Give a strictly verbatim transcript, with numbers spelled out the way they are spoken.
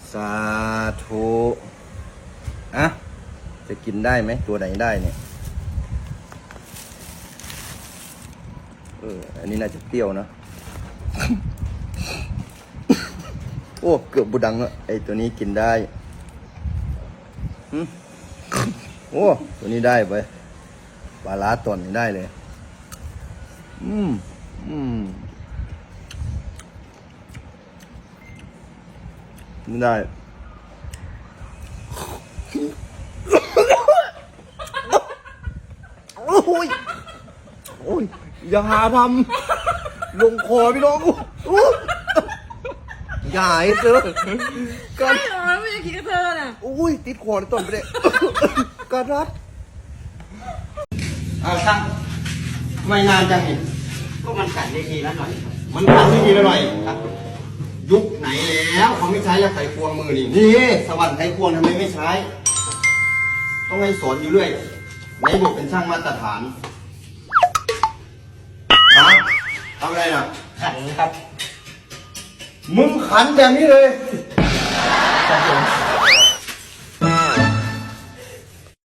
สาธุอ่ะจะกินได้ไหมตัวไหนได้เนี่ยเอออันนี้น่าจะเปรี้ยวนะ โอ้เกือบบุดังอะไอตัวนี้กินได้โอ้ตัวนี้ได้ไปปลาล้าตอนนี้ได้เลยอืมอืมไม่ได้โอ้ยโอ้ยอย่าหาทำลงคอพี่น้องอย่าให้เจอกัใช่นเหรอไม่อยากกินกับเธอน่ะอุ้ยติดคอในต้นไปเลยการรัดเอาช่างไม่นานจังเห็นก็มันกัดได้ทีละหน่อยครับมันทำไม่ดีแล้วหน่อยครับยุคไหนแล้วเขาไม่ใช้ยาไขควงมือนี่นี่สวรรค์ไขควงทำไมไม่ใช้ ต้องให้สอนอยู่เรื่อยไหนบอกเป็นช่างมาตรฐานฮะทำอะไรน่ะขันครับมึงขันแบบนี้เลยครับผม